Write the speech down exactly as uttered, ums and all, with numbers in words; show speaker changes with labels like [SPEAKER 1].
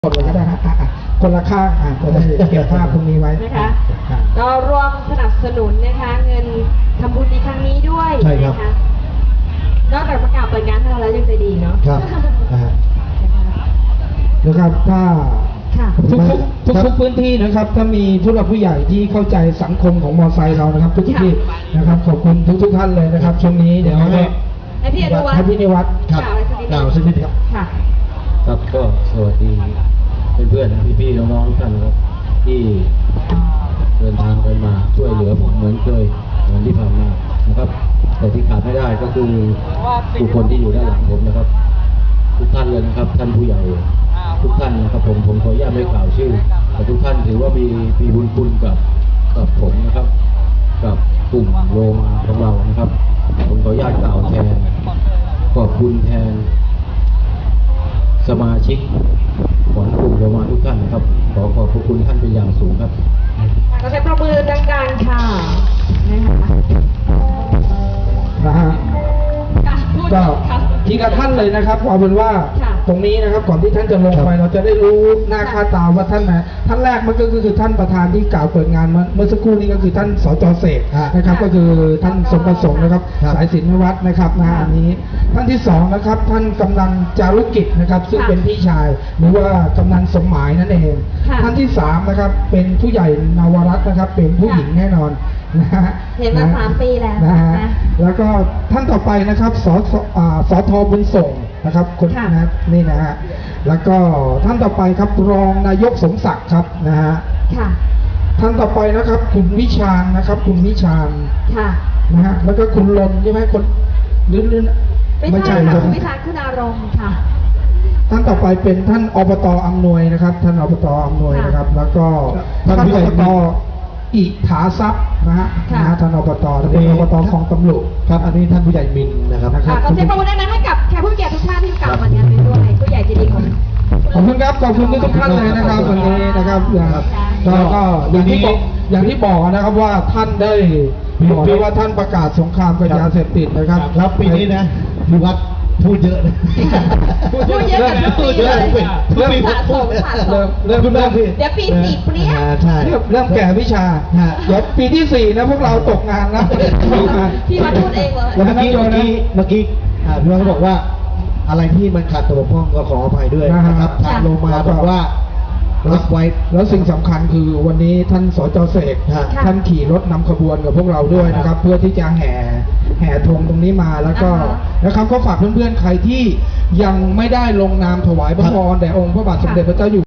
[SPEAKER 1] คนเลยก็ได้ฮะคนละข้างอ่ะเราจะเก็บภาพตรงนี้ไว้
[SPEAKER 2] นะคะก็ร่วมสนับสนุนนะคะเงินทำบุญในครั้งนี้ด้วยใช่ครับนอกจากประกาศเปิดงานให้เราแล้วยังใจดีเนาะครับ
[SPEAKER 1] นะครับถ้าทุกทุกทุกพื้นที่นะครับถ้ามีผู้หลักผู้ใหญ่ที่เข้าใจสังคมของมอไซค์เรานะครับทุกที่นะครับขอบคุณทุกทุกท่านเลยนะครับช่วงนี้เดี๋ยว
[SPEAKER 2] ให้พี่อนุวัฒน์
[SPEAKER 1] ให้พี่นิวัฒน์กล่าวสักนิดครับ
[SPEAKER 3] ครับก็สวัสดีเพื่อนๆพี่ๆน้องๆทุกท่านครับที่เดินทางกันมาช่วยเหลือผมเหมือนเคยเหมือนที่ผ่านมานะครับแต่ที่ขาดไม่ได้ก็คือบุคคลที่อยู่ด้านหลังผมนะครับทุกท่านเลยนะครับท่านผู้ใหญ่ทุกท่านนะครับผมผมขออนุญาตไม่กล่าวชื่อแต่ทุกท่านถือว่ามีมีบุญคุณกับกับผมนะครับกับกลุ่มโลมาของเรานะครับผมขออนุญาตกล่าวแทนขอบคุณแทนสมาชิกของกลุ่มโลมาทุกท่านนะครับขอขอบคุณท่านเป็นอย่างสูงครับ
[SPEAKER 2] เราใช้ประมือดังๆค่ะ
[SPEAKER 1] นะฮะก็ทีละท่านเลยนะครับเอาเป็นว่าตรงนี้นะครับก่อนที่ท่านจะลงไปเราจะได้รู้หน้าค่าตาว่าท่านนะท่านแรกมันก็คือท่านประธานที่กล่าวเปิดงานเมื่อสักครู่นี้ก็คือท่านสจเสกนะครับก็คือท่านสมประสงค์นะครับสายศิลปวัฒน์นะครับนะอันนี้ท่านที่สองนะครับท่านกำนันจารุกิจนะครับซึ่งเป็นพี่ชายหรือว่ากำนันสมหมายนั่นเองท่านที่สามนะครับเป็นผู้ใหญ่นวรัตน์นะครับเป็นผู้หญิงแน่นอนนะฮะ
[SPEAKER 2] เห็นมาสามปีแล้ว
[SPEAKER 1] นะฮะแล้วก็ท่านต่อไปนะครับสสทบุญส่งนะครับคนนะนี่นะฮะแล้วก็ท่านต่อไปครับรองนายกสมศักดิ์ครับนะฮะท่านต่อไปนะครับคุณวิชาญนะครับคุณวิชาญนะฮะแล้วก็คุณลนใช่ไหมคนลื่นลื่น
[SPEAKER 2] ไม่ใช่ค่ะคุณวิชาญคุณอารมณ์ค่ะ
[SPEAKER 1] ท่านต่อไปเป็นท่านอบตอำนวยนะครับท่านอบตอำนวยนะครับแล้วก็ท่านอบตอิฐาทรัพย์นะฮะนะฮะท่านอบตเป็นอบตของตำรวจครับอันนี้ท่านผู้ใหญ่มินนะครับ
[SPEAKER 2] ขอเสียงปรบมือดังๆให้กับแขกผู้เกียรติทุกท่านที่กล่าวมางานนี้ด้วยผู้ใหญ่ใจดีของ
[SPEAKER 1] ขอบคุณครับขอบคุณทุกท่านเลยนะครับวันนี้นะครับก็ก็อย่างที่บอกอย่างที่บอกนะครับว่าท่านได้บอกด้วยว่าท่านประกาศสงครามกับยาเสพติดนะครับ
[SPEAKER 4] ครับปีนี้นะพิวัตรพูดเยอะนะ
[SPEAKER 2] พูดเยอะกับพูดเยอะเลยเริ่มสะสมสะสม
[SPEAKER 1] เริ่มเริ่ม
[SPEAKER 2] เดี๋ยวปีสี่เปรี้ย
[SPEAKER 1] ใช่เริ่มแก่วิชาเดี๋ยวปีที่สี่นะพวกเราตกงานนะ
[SPEAKER 2] พี่มาพูดเองเลย
[SPEAKER 4] เมื่อกี้เมื่อกี้เมื่อกี้พี่วัตรบอกว่าอะไรที่มันขาดตัวบกพร่องก็ขออภัยด้วยนะครับทางโลมาบอกว่ารับไว้
[SPEAKER 1] แล้วสิ่งสำคัญคือวันนี้ท่านสจเสกท่านขี่รถนำขบวนกับพวกเราด้วยนะครับเพื่อที่จะแห่แห่ธงตรงนี้มาแล้วก็นะครับก็ฝากเพื่อนๆใครที่ยังไม่ได้ลงนามถวายพระพรแด่องค์พระบาทสมเด็จพระเจ้าอยู่